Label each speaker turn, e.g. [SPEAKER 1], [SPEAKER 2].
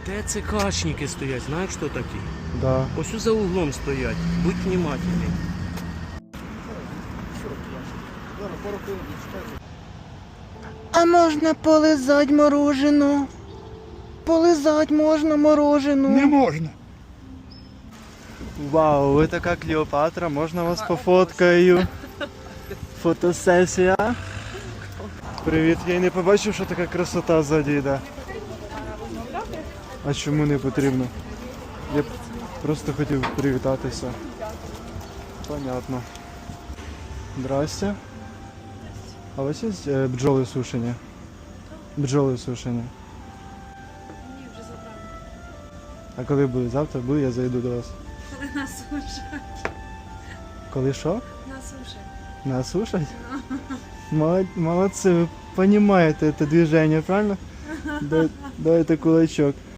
[SPEAKER 1] ТЦКшники стоять, знаєш, хто такі?
[SPEAKER 2] Да.
[SPEAKER 1] Ось за углом стоять, будь внимательний.
[SPEAKER 2] А можна полизать морожену? Полизать можна морожену?
[SPEAKER 3] Не можна.
[SPEAKER 2] Вау, ви така Клеопатра, можна вас пофоткаю? Фотосесія. Привіт, я й не побачив, що така красота ззаді йде. А чому не потрібно? Я просто хотів привітатися. Понятно. Здрасте. А у вас є бджоли сушені? Бджоли сушені.
[SPEAKER 4] Ні, вже забрали.
[SPEAKER 2] А коли буде? Завтра буде, я зайду до вас.
[SPEAKER 4] Коли нас сушать.
[SPEAKER 2] Коли що?
[SPEAKER 4] Нас сушать.
[SPEAKER 2] Нас слушать? Молодцы, вы понимаете это движение, правильно? Дайте кулачок.